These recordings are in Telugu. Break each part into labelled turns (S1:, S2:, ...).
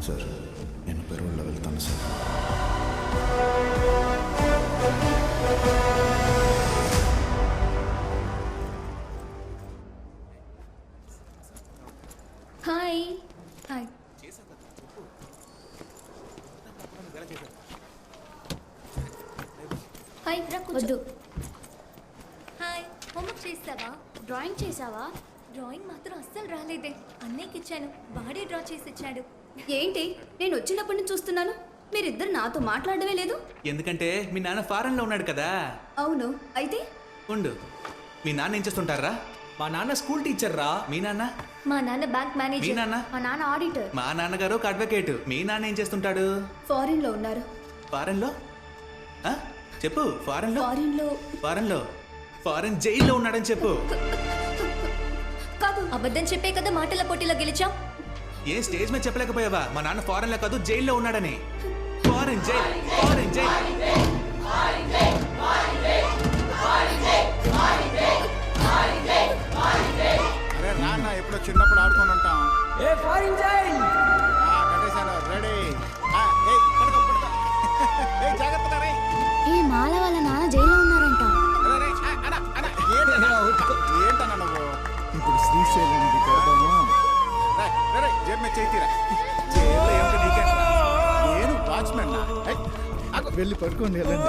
S1: సార్ నేను పెరువుల్లో వెళ్తాను సార్.
S2: Hi hi. హాయ్ వద్దు. హాయ్, హోంవర్క్ చేసావా?
S3: డ్రాయింగ్ చేసావా?
S2: డ్రాయింగ్ మాత్రం అస్సలు రాలేదే. అన్నయ్యకి ఇచ్చాను, వాడే డ్రా చేసి ఇచ్చాడు.
S3: ఏంటి, నేను వచ్చినప్పటి నుంచి చూస్తున్నాను మీరిద్దరు నాతో మాట్లాడమే లేదు.
S4: ఎందుకంటే మీ నాన్న ఫారెన్ లో ఉన్నాడు కదా.
S3: అవును, అయితే
S4: ఉండు, మీ నాన్న ఏం చేస్తుంటారా?
S5: మా నాన్న స్కూల్ టీచర్ రా.
S4: మీ నాన్న?
S2: మా నాన్న బ్యాంక్
S4: మీ
S2: మేనేజర్.
S4: నాన్న?
S3: మా నాన్న ఆడిటర్.
S4: మా నాన్నగారు ఒక అడ్వకేట్. మీ నాన్న ఏం చేస్తుంటాడు?
S3: ఫారిన్ లో ఉన్నారు.
S4: ఫారెన్ లో? ఆ? చెప్పు. ఫారెన్ లో?
S3: ఫారిన్ లో
S4: ఫారెన్ లో? ఫారెన్ జైల్లో ఉన్నాడని చెప్పు.
S3: కాదు.
S2: అబద్ధం చెప్పే కదా మాటల పోటీలో గెలిచాం.
S4: ఏ స్టేజ్ మీద చెప్పలేకపోయావా మా నాన్న ఫారెన్ లో కాదు జైల్లో ఉన్నాడని? Foreign jail, foreign jail.
S1: అరే నాన్న ఎప్పుడో చిన్నప్పుడు ఆడుకొని ఉంటాం.
S5: ఏ ఫారిన్ జైల్.
S1: కట్టేశాను, రెడీ. జాగ్రత్తగా రే.
S3: ఈ మాల వాళ్ళ నాన్న జైల్లో ఉన్నారంట.
S1: ఏంటన్నా నువ్వు? ఇప్పుడు శ్రీశైలానికి కడదాము. జేబు మీద చేతిరా. జైల్లో ఏమిటి నీకేంట్రా? నేను వాచ్మెన్. వెళ్ళి పడుకోండి. వెళ్ళండి.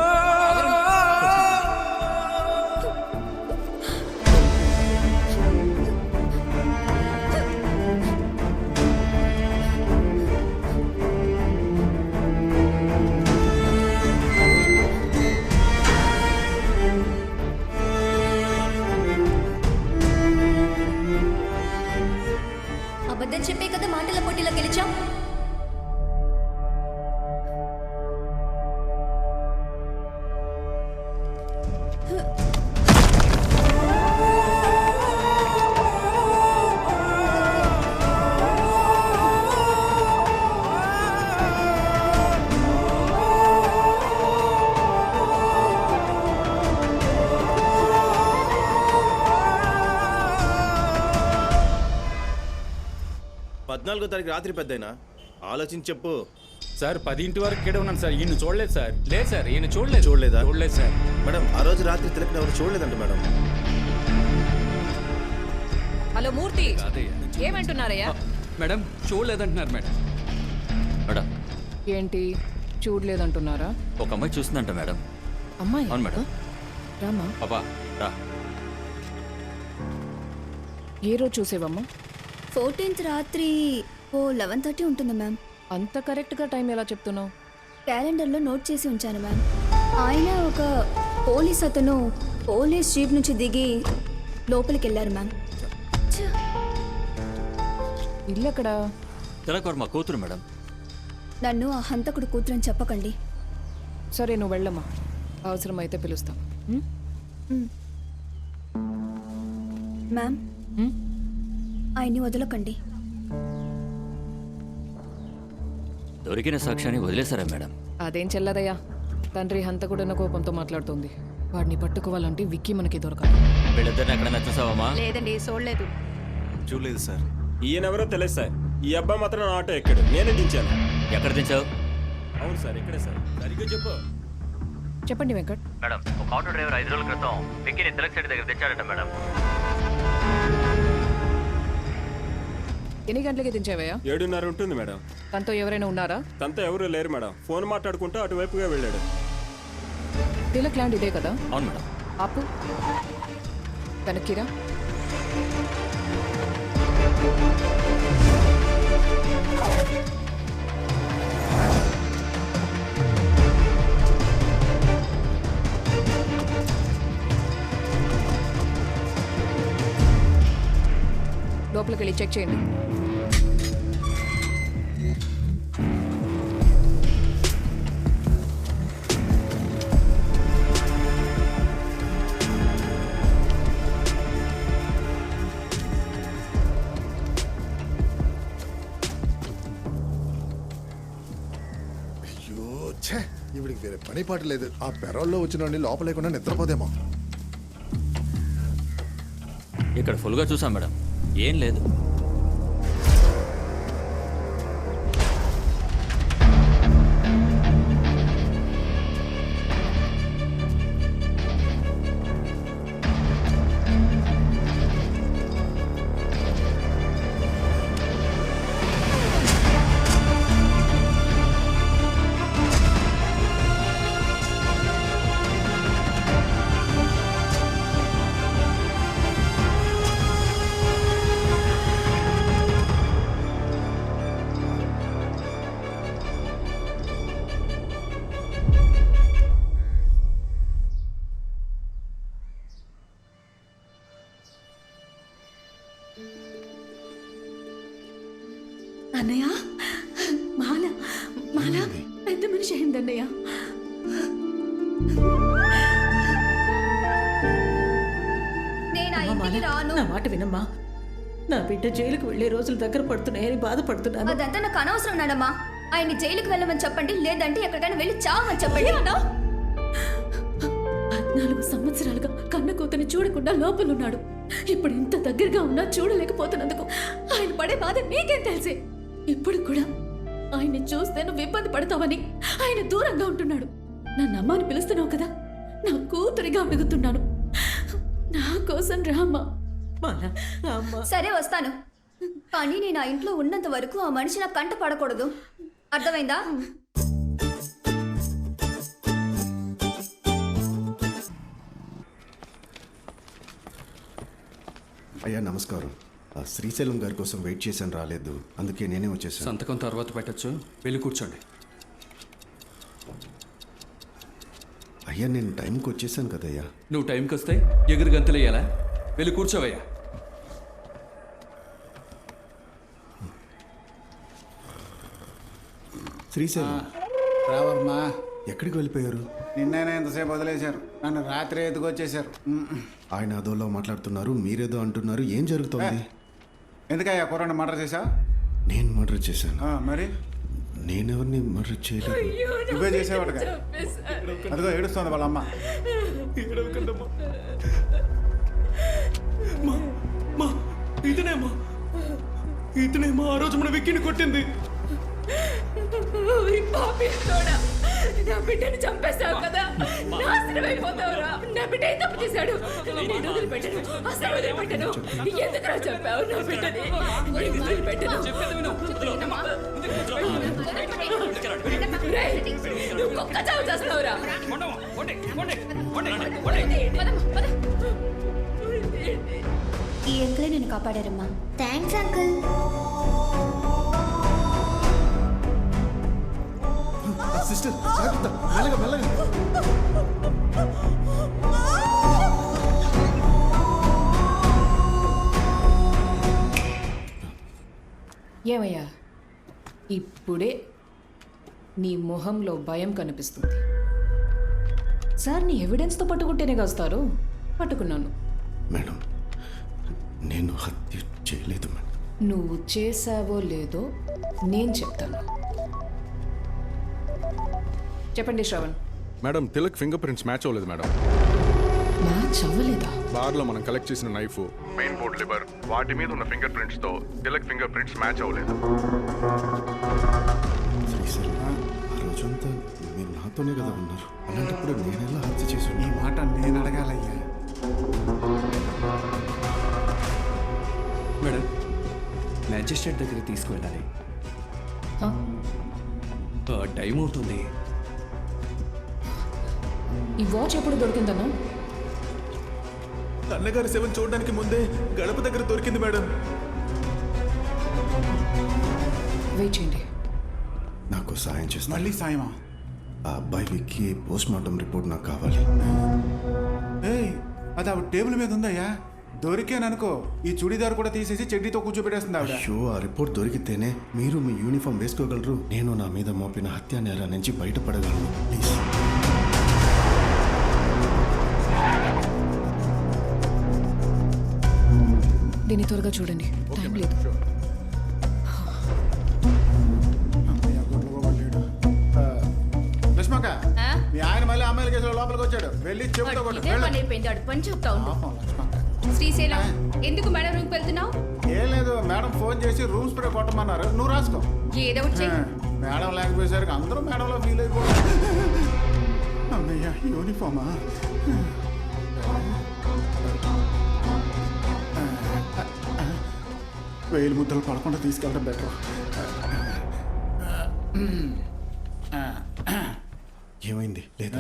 S2: అబద్ధం చెప్పే కదా మాటల పోటీలో గెలిచాం.
S6: పద్నాలుగో తారీఖు రాత్రి పెద్దయినా ఆలోచించి చెప్పు.
S5: సార్ 10 వరకు ఇక్కడే ఉన్నాను సార్. ఈయన చూడలేదు సార్. లేదు సార్, ఈయన చూడలేదు.
S6: చూడలేదా?
S5: చూడలేదు సార్.
S6: మేడం ఆ రోజు రాత్రి తిలకని ఎవరు చూడలేదంట మేడం.
S7: హలో మూర్తి, ఏమంటున్నారయ్యా?
S8: మేడం చూడలేదంటున్నారు మేడం.
S7: మేడం ఏంటి చూడలేదంటున్నారా?
S8: ఒక అమ్మాయి చూస్తుందంట మేడం.
S7: అమ్మాయి?
S8: అవును మేడం.
S7: రామా.
S8: పాపా రా.
S7: ఏ రోజు చూసేవమ్మా?
S3: 14th రాత్రి 11:30 ఉంటుంది మ్యామ్.
S7: అంత కరెక్ట్గా టైం ఎలా చెప్తున్నావు?
S3: క్యాలెండర్లో నోట్ చేసి ఉంచాను మ్యామ్. ఆయన ఒక పోలీస్ అతను పోలీస్ జీప్ నుంచి దిగి లోపలికి వెళ్ళారు మ్యామ్.
S7: ఇల్లు ఎక్కడ?
S8: తిలకవర్ మా కూతురు మేడం.
S3: నన్ను ఆ హంతకుడు కూతురని చెప్పకండి.
S7: సరే నువ్వు వెళ్ళమ్మా, అవసరమైతే పిలుస్తాం.
S3: మ్యామ్, ఆయన్ని వదలకండి.
S8: దొరికిన సాక్ష్యాన్ని వదిలేశారా మేడం?
S7: అదేం చెల్లదయ్యా. తండ్రి హంతకుడన్న కోపంతో మాట్లాడుతుంది. వాడిని పట్టుకోవాలంటే విక్కీ మనకి దొరకాలి.
S8: వీళ్ళిద్దరిని ఎక్కడైనా చూసావమ్మా?
S7: లేదండి, చూడలేదు.
S6: చూడలేదు సార్.
S9: ఈయనెవరో తెలియదు సార్. ఈ అబ్బాయి మాత్రం నా ఆటో ఎక్కాడు, నేనే దించాను.
S8: ఎక్కడ దించావు?
S9: అవును సార్, ఇక్కడే సార్. సరిగ్గా చెప్పు.
S7: చెప్పండి వెంకట్.
S8: మేడం ఒక ఆటో డ్రైవర్ 5 రోజుల క్రితం విక్కీని తిలక్ సైడ్ దగ్గర తెచ్చాడట మేడం.
S7: ఎన్ని గంటలకి దించావయ్యా?
S9: 7:30 ఉంటుంది మేడం.
S7: తనతో ఎవరైనా ఉన్నారా?
S9: తనతో ఎవరూ లేరు మేడం. ఫోన్ మాట్లాడుకుంటూ అటువైపుగా వెళ్ళాడు.
S7: తిలక్ ల్యాండ్ ఇదే కదా?
S8: అవును మేడం.
S7: ఆపు, వెనక్కిరా. లోపలికి వెళ్ళి చెక్ చేయండి.
S10: ఇవిడికి వేరే పని పాట లేదు. ఆ పెరోల్లో వచ్చిన లోపలేకుండా నిద్రపోదేమో.
S8: ఇక్కడ ఫుల్గా చూసాం మేడం, ఏం లేదు.
S11: అన్నయ్య మాల మాల పెద్ద మనిషి అయిందన్నయ్య.
S2: నేను ఆ ఇంటికి రాను.
S11: నా మాట వినమ్మా. నా బిడ్డ జైలుకు వెళ్లే రోజులు దగ్గర పడుతున్నాయని బాధపడుతున్నాను.
S2: అదంతా నాకు అనవసరం నానమ్మా. ఆయన్ని జైలుకి వెళ్ళమని చెప్పండి, లేదంటే ఎక్కడికైనా వెళ్ళి చావమని చెప్పండి.
S11: 14 సంవత్సరాలుగా కన్న కూతుని చూడకుండా లోపలున్నాడు. ఇప్పుడు ఇంత దగ్గరగా ఉన్నా చూడలేకపోతున్నందుకు ఆయన పడే బాధ నీకేం తెలిసే? ఇప్పుడు కూడా ఆయన్ని చూస్తే నువ్వు ఇబ్బంది పడతావని ఆయన దూరంగా ఉంటున్నాడు. నన్ను అమ్మని పిలుస్తున్నావు కదా, నా కూతురిగా వెగుతున్నాను. నా కోసం రామ్మా.
S2: సరే వస్తాను, కానీ నేను ఆ ఇంట్లో ఉన్నంత వరకు ఆ మనిషి నా కంట పడకూడదు. అర్థమైందా?
S10: అయ్యా నమస్కారం. ఆ శ్రీశైలం గారి కోసం వెయిట్ చేశాను, రాలేదు. అందుకే నేనే వచ్చేసాను.
S5: సంతకం తర్వాత పెట్టచ్చు, వెళ్ళి కూర్చోండి.
S10: అయ్యా నేను టైంకి వచ్చేసాను కదయ్యా.
S5: నువ్వు టైంకి వస్తే ఎగురు గంతులు వేయాలా? వెళ్ళి కూర్చోవయ్యా.
S10: శ్రీశైలం
S1: రావర్మా,
S10: ఎక్కడికి వెళ్ళిపోయారు?
S1: నిన్నైనా ఎంతసేపు వదిలేశారు, నన్ను రాత్రి ఎత్తుకొచ్చేశారు.
S10: ఆయన అదోలో మాట్లాడుతున్నారు, మీరేదో అంటున్నారు. ఏం జరుగుతోంది?
S1: ఎందుకయ్యా కుర్రాన్ని మర్డర్ చేశా?
S10: నేను మర్డర్ చేశాను?
S1: మరి
S10: నేనెవరిని మర్డర్ చేయలేదు.
S1: నువ్వే చేసేవాడుగా. అదిగో ఏడుస్తోంది వాళ్ళ అమ్మ.
S5: ఇతనేమో ఆ రోజు మన విక్కిని కొట్టింది.
S11: నా బిడ్డను చంపేశావు కదా, నాశనం అయిపోతావురా. నా బిడ్డ ఏం తప్పు చేశాడు? నేను వదిలిపెట్టను, అసలు వదిలిపెట్టను. ఎందుకురా చంపావు నా బిడ్డని? నేను వదిలిపెట్టను. రేయ్, నువ్వు కుక్క చావు చేస్తావురా.
S2: ఈ అంకులే నేను కాపాడారమ్మా. Thanks uncle.
S10: సిస్టర్ జాగ్రత్త, మెల్లగా మెల్లగా.
S7: ఏమయ్యా, ఇప్పుడే నీ మొహంలో భయం కనిపిస్తుంది. సార్ నీ ఎవిడెన్స్తో పట్టుకుంటేనే కాస్తారు. పట్టుకున్నాను.
S10: మేడం నేను హత్య చేయలేదు మేడం.
S7: నువ్వు చేసావో లేదో నేను చెప్తాను. చెప్పండి Shravan.
S12: Madam Tilak fingerprints match అవ్వలేదు మేడం.
S7: మ్యాచ్ అవ్వలేదా?
S12: బార్లో మనం కలెక్ట్ చేసిన నైఫ్, మెయిన్ బోర్డ్ లివర్, వాటి మీద ఉన్న ఫింగర్ ప్రింట్స్ తో తిలక్ ఫింగర్ ప్రింట్స్ మ్యాచ్ అవ్వలేదు.
S10: శ్రీశైలం ఆ రోజంతా మీరు నాతోనే కదా ఉన్నారు. అలాంటప్పుడు నేనెలా హత్య చేసి
S1: ఈ మాట నేను అడగాలయ్యా.
S5: మేడం, మ్యాజిస్ట్రేట్ దగ్గరికి తీసుకువెళ్ళాలి. టైం అవుతుంది.
S7: ఈ వాచ్ ఎప్పుడు దొరికిందన్నా?
S4: అన్నగారి శవం చూడడానికి ముందే గడప దగ్గర దొరికింది మేడం.
S7: వెయిట్ చేయండి.
S10: నాకు సాయం చేస్తాను.
S1: మళ్ళీ సాయమా?
S10: ఆ అబ్బాయికి పోస్ట్ మార్టం రిపోర్ట్ నాకు కావాలి.
S1: ఏయ్, అది ఆవిడ టేబుల్ మీద ఉందయ్యా. దొరికాననుకో ఈ చుడీదార్ కూడా తీసేసి చెడ్డీతో కూర్చోబెట్టేస్తుంది ఆవిడ.
S10: అయ్యో, ఆ రిపోర్ట్ దొరికితేనే మీరు మీ యూనిఫామ్ వేసుకోగలరు. నేను నా మీద మోపిన హత్యా నేరం నుంచి బయటపడగలను. ప్లీజ్.
S7: దీన్ని త్వరగా చూడండి, టైం లేదు.
S1: లక్ష్మక్క, మీ ఆయన మళ్ళీ అమ్మాయిల కేసులో లోపలికి వచ్చాడు. వెళ్ళి చెబుతా
S11: పని చెప్తా శ్రీశైలం, ఎందుకు మేడం రూమ్కి వెళ్తున్నావు?
S1: ఏం లేదు, మేడం ఫోన్ చేసి రూమ్ స్ప్రే కొట్టమన్నారు. నువ్వు రాసుకో.
S11: ఏదో ఒకటి చెయ్యి.
S1: మేడం లేకపోయేసరికి అందరూ మేడంలో ఫీల్ అయిపోయారు. అమ్మయ్య, యూనిఫామా? వేలు ముద్దలు పడకుండా తీసుకెళ్ళడం బెటర్.
S10: ఏమైంది లేదా?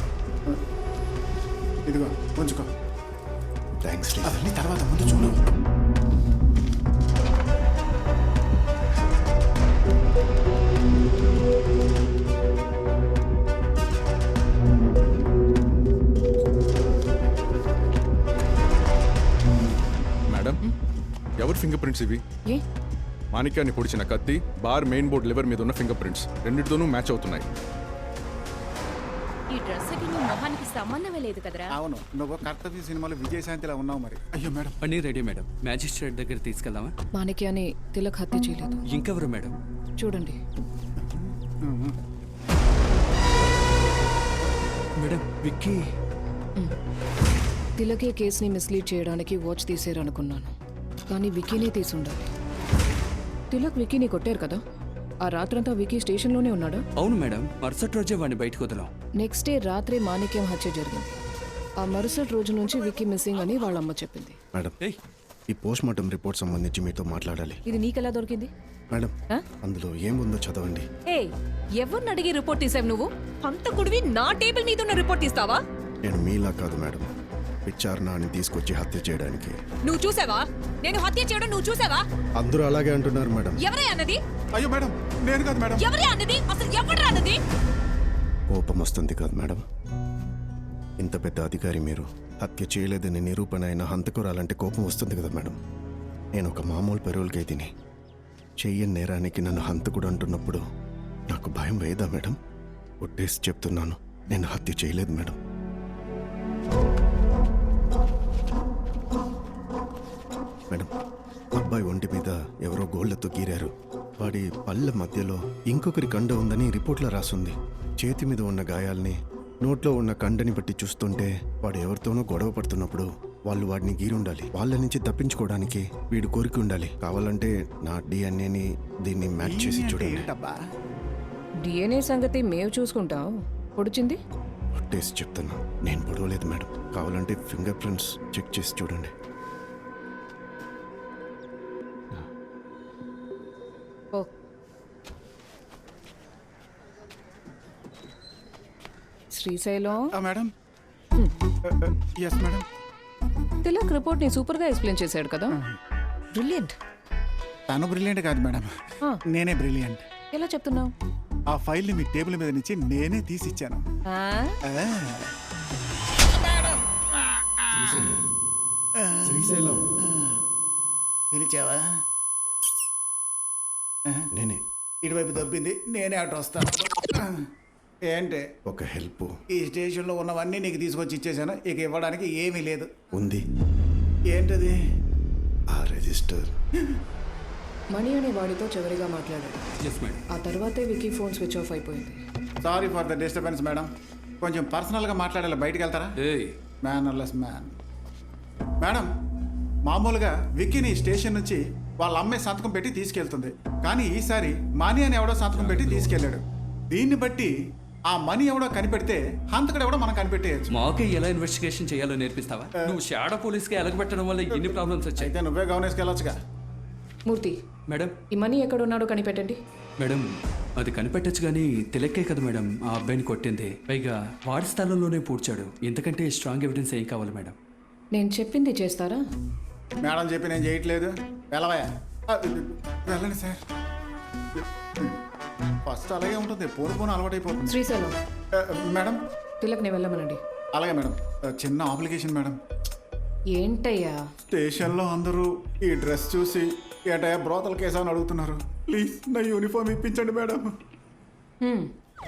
S1: ఇదిగో ఉంచుకో.
S10: థ్యాంక్స్.
S1: అవన్నీ తర్వాత, ముందు చూడు.
S12: మేడం ఎవరి ఫింగర్ ప్రింట్స్ ఇవి?
S7: ఏ
S12: మాణిక్యాన్ని పొడిచిన కత్తి బార్ మెయిన్ బోర్డ్ లివర్ మీద ఉన్న ఫింగర్ ప్రింట్స్ రెండింటితోనూ మ్యాచ్ అవుతున్నాయి.
S11: ఈ డ్రెస్ కి నీ మొహానికి సంబంధమే లేదు కదరా.
S1: అవును, నువ్వు కర్తవ్య సినిమాలో విజయశాంతిలా ఉన్నావు మరి. అయ్యో మేడం.
S5: పని రెడీ మేడం. మ్యాజిస్ట్రేట్ దగ్గర తీసుకెళ్దామా?
S7: మాణిక్యాన్ని తిలక్ హత్య చేయలేదు.
S5: ఇంకెవరు మేడం?
S7: చూడండి.
S5: మేడం విక్కీ.
S7: తిలకే కేసుని మిస్లీడ్ చేయడానికి వాచ్ తీసేరనుకున్నాను, కానీ విక్కీనే తీసుండాలి. తిలక్ విక్కీని కొట్టారు కదా, ఆ రాత్రంతా విక్కీ స్టేషన్లోనే ఉన్నాడా?
S5: అవును మేడం, మరుసటి రోజే వాడిని బయటకు వదలాం.
S7: నెక్స్ట్ డే రాత్రి మాణిక్యం హత్య జరిగింది. ఆ మరుసటి రోజు నుంచి విక్కీ మిస్సింగ్ అని వాళ్ళ అమ్మ చెప్పింది.
S10: మేడం, ఈ పోస్ట్ మార్టం రిపోర్ట్ సంబంధించి మీతో మాట్లాడాలి.
S7: ఇది నీకెలా దొరికింది?
S10: మేడం, అందులో ఏముందో చదవండి.
S11: ఏ ఎవరిని అడిగి రిపోర్ట్ తీసావు నువ్వు? హంతకుడివి నా టేబుల్ మీద ఉన్న రిపోర్ట్ తీస్తావా?
S10: నేను మీలా కాదు మేడం, విచారణని తీసుకొచ్చి హత్య చేయడానికి.
S11: నువ్వు చూసావా? నేను హత్య చేయడం నువ్వు చూసావా?
S10: అందరూ అలాగే అంటున్నారు మేడం.
S11: ఎవరే అన్నది?
S1: అయ్యో మేడం, నేను కాదు మేడం.
S11: ఎవరే అన్నది? అసలు ఎవడ్రా అన్నది?
S10: కోపం వస్తుంది కాదు మేడం, ఇంత పెద్ద అధికారి మీరు హత్య చేయలేదని నిరూపణ అయిన హంతకురాలంటే కోపం వస్తుంది కదా మేడం. నేను ఒక మామూలు పెరోల్ ఖైదీని, చెయ్యని నేరానికి నన్ను హంతకుడు అంటున్నప్పుడు నాకు భయం వేయదా మేడం? ఒట్టేసి చెప్తున్నాను, నేను హత్య చేయలేదు మేడం. మేడం, అబ్బాయి ఒంటి మీద ఎవరో గోళ్లతో గీరారు. వాడి పళ్ళ మధ్యలో ఇంకొకరి కండ ఉందని రిపోర్ట్లో రాసుంది. చేతి మీద ఉన్న గాయాల్ని, నోట్లో ఉన్న కండని బట్టి చూస్తుంటే వాడు ఎవరితోనో గొడవ పడుతున్నప్పుడు వాళ్ళు వాడిని గీరుండాలి. వాళ్ళ నుంచి తప్పించుకోవడానికి వీడు కోరిక ఉండాలి. కావాలంటే నా డిఎన్ఏని దీన్ని మ్యాచ్ చేసి చూడండి.
S7: డిఎన్ఏ సంగతి మేము చూసుకుంటాం. పొడిచింది
S10: ఒట్టేసి చెప్తున్నా, నేను పొడవలేదు మేడం. కావాలంటే ఫింగర్ ప్రింట్స్ చెక్ చేసి చూడండి.
S7: ఓ Srisailam.
S1: Madam. Yes madam.
S7: Tilak report ని సూపర్ గా ఎక్స్ప్లెయిన్ చేశాడు కదా. బ్రిలియంట్.
S1: తను బ్రిలియంట్ కాదు మేడం, నేనే బ్రిలియంట్.
S7: ఎలా చెప్తున్నావు?
S1: ఆ ఫైల్ ని మీ టేబుల్ మీద నుంచి నేనే తీసిచ్చాను.
S10: శ్రీశైలం
S1: పిలిచావా?
S10: నేనే.
S1: ఇటువైపు దొబ్బింది, నేనే అటు వస్తాను. ఏంటి?
S10: ఒక హెల్ప్.
S1: ఈ స్టేషన్లో ఉన్నవన్నీ నీకు తీసుకొచ్చి ఇచ్చేసాను, ఇక ఇవ్వడానికి ఏమీ లేదు.
S10: ఉంది.
S1: ఏంటది?
S10: ఆ రిజిస్టర్.
S7: మణి అనే వాడితో చివరిగా మాట్లాడాడు.
S5: Yes madam.
S7: ఆ తర్వాతే వికీ ఫోన్ స్విచ్ ఆఫ్ అయిపోయింది.
S1: Sorry for the disturbance madam. కొంచెం పర్సనల్గా మాట్లాడాలి, బయటికి వెళ్తారా? Mannerless man. మేడం, మామూలుగా విక్కీని స్టేషన్ నుంచి వాళ్ళ అమ్మాయి సంతకం పెట్టి తీసుకెళ్తుంది, కానీ ఈసారి మనీ అని ఎవడో సంతకం పెట్టి తీసుకెళ్ళాడు. దీన్ని బట్టి ఆ మనీ ఎవడో కనిపెడితే హంతకుడు ఎవడో మనం కనిపెట్టేయచ్చు.
S5: మాకే ఎలా ఇన్వెస్టిగేషన్ చేయాలో నేర్పిస్తావా? నువ్వు షాడో పోలీస్కి ఎలగబెట్టడం వల్ల ఎన్ని ప్రాబ్లమ్స్ వచ్చాయి.
S1: అయితే నువ్వే గమనించుకెళ్ళొచ్చుగా.
S7: మూర్తి
S5: మేడం.
S7: ఈ మనీ ఎక్కడున్నాడో కనిపెట్టండి.
S5: మేడం, అది కనిపెట్టచ్చు కానీ తిలక్కే కదా మేడం ఆ అబ్బాయిని కొట్టింది. పైగా వాడి స్థలంలోనే పూడ్చాడు. ఇంతకంటే స్ట్రాంగ్ ఎవిడెన్స్ ఏం కావాలి మేడం?
S7: నేను చెప్పింది చేస్తారా?
S1: మేడం చెప్పి నేను చేయట్లేదు. వెళ్ళవయా? వెళ్ళండి సార్. ఫస్ట్ అలాగే ఉంటుంది, పోను పోను అలవాటైపోతుంది.
S7: శ్రీశైలం.
S1: మేడం.
S7: తిలక్ని వెళ్ళమనండి.
S1: అలాగే మేడం. చిన్న అప్లికేషన్ మేడం.
S7: ఏంటయ్యా?
S1: స్టేషన్లో అందరూ ఈ డ్రెస్ చూసి ఏంటయ్యా బ్రోతల కేసు అని అడుగుతున్నారు. ప్లీజ్ నా యూనిఫామ్ ఇప్పించండి మేడం.